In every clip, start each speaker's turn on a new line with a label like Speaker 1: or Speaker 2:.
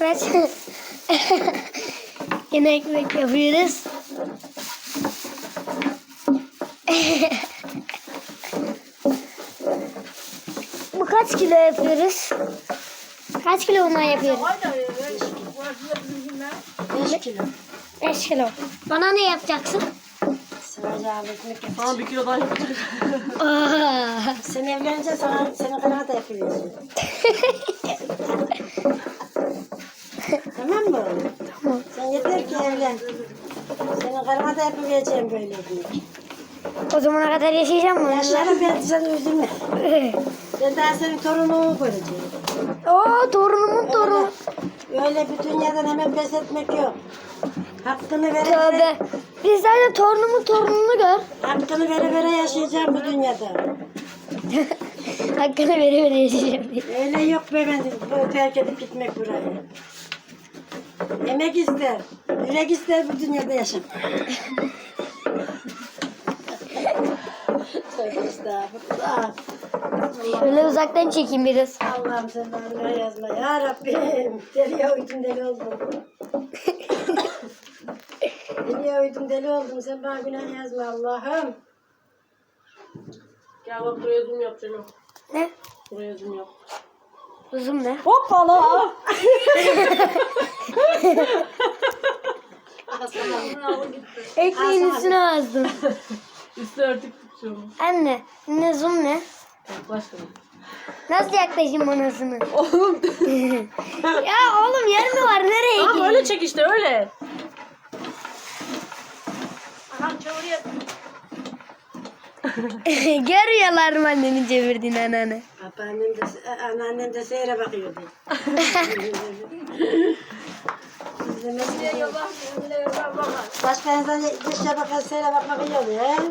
Speaker 1: Evet. Yine ekmek yapıyoruz. Bu kaç kilo yapıyoruz? Kaç kilo bundan yapıyoruz?
Speaker 2: 5 kilo.
Speaker 1: 5 kilo. Bana ne yapacaksın?
Speaker 2: Sıvacağım ekmek yapacağım.
Speaker 3: Sana 1 kilo daha yapacak.
Speaker 1: Aa.
Speaker 2: Sen evlenince senin kadar da yapıyorsun. Tamam mı?
Speaker 1: Tamam.
Speaker 2: Sen yeter ki evlen. Senin karına da yapabileceğim böyle ekmek.
Speaker 1: O zamana kadar yaşayacağım mı?
Speaker 2: Yaşlarım ben sen üzülme. Ben daha senin torununu göreceğim.
Speaker 1: Oo, torunumun torunu.
Speaker 2: Öyle bir dünyadan hemen pes etmek yok. Hakkını vere
Speaker 1: Tövbe.
Speaker 2: vere,
Speaker 1: Biz sadece torunumun torununu gör.
Speaker 2: hakkını vere vere yaşayacağım bu dünyada.
Speaker 1: Hakkını vere vere yaşayacağım diye.
Speaker 2: Öyle yok be ben bu terk edip gitmek buraya. Emek ister, yürek ister bu dünyada yaşamak. Tövbe estağfurullah.
Speaker 1: Şöyle uzaktan çekeyim biraz.
Speaker 2: Allah'ım sen bana yazma ya Rabbim. Deliye uydum deli oldum. Deliye uydum deli oldum. Sen bana günah yazma Allah'ım.
Speaker 3: Gel bak buraya zoom yapacağım.
Speaker 1: Ne?
Speaker 3: Buraya zoom yap.
Speaker 1: Uzun ne?
Speaker 3: Hoppala.
Speaker 1: Ekmeğin üstüne azdım.
Speaker 3: Üstü örtük tutuyorum.
Speaker 1: Anne, ne zoom ne?
Speaker 3: Yaklaştım.
Speaker 1: Nasıl yaklaşayım anasını?
Speaker 3: Oğlum.
Speaker 1: Ya oğlum yer mi var? Nereye
Speaker 3: Tamam
Speaker 1: gideyim?
Speaker 3: öyle çek işte öyle.
Speaker 1: Görüyorlar mı annenin çevirdiğini anneanne?
Speaker 2: Anneannem de seyre bakıyordu. Başka insan dışa bakar seyre bakmak iyi oluyor. He?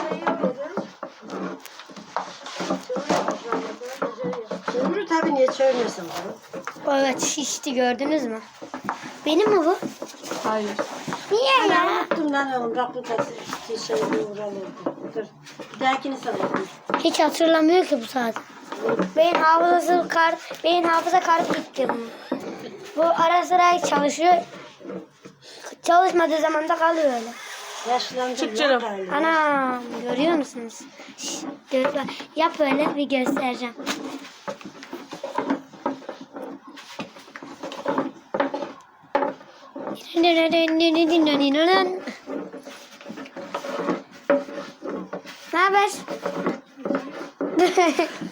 Speaker 2: Çömürü tabii niye çövmüyorsun bunu?
Speaker 1: Evet şişti gördünüz mü? Benim mi bu?
Speaker 3: Hayır.
Speaker 1: Niye ya?
Speaker 2: Unuttum lan oğlum. Bak bu da şey uğralırdı. Dur. Bir dahakini sana yapayım.
Speaker 1: Hiç hatırlamıyor ki bu saat. Beyin hafıza kartı gitti bunun. Bu ara sıra çalışıyor. Çalışmadığı zaman da kalıyor öyle.
Speaker 2: Yaşlandım.
Speaker 3: Çık canım.
Speaker 1: Ana görüyor musunuz? Şş, yap öyle bir göstereceğim. Ne haber?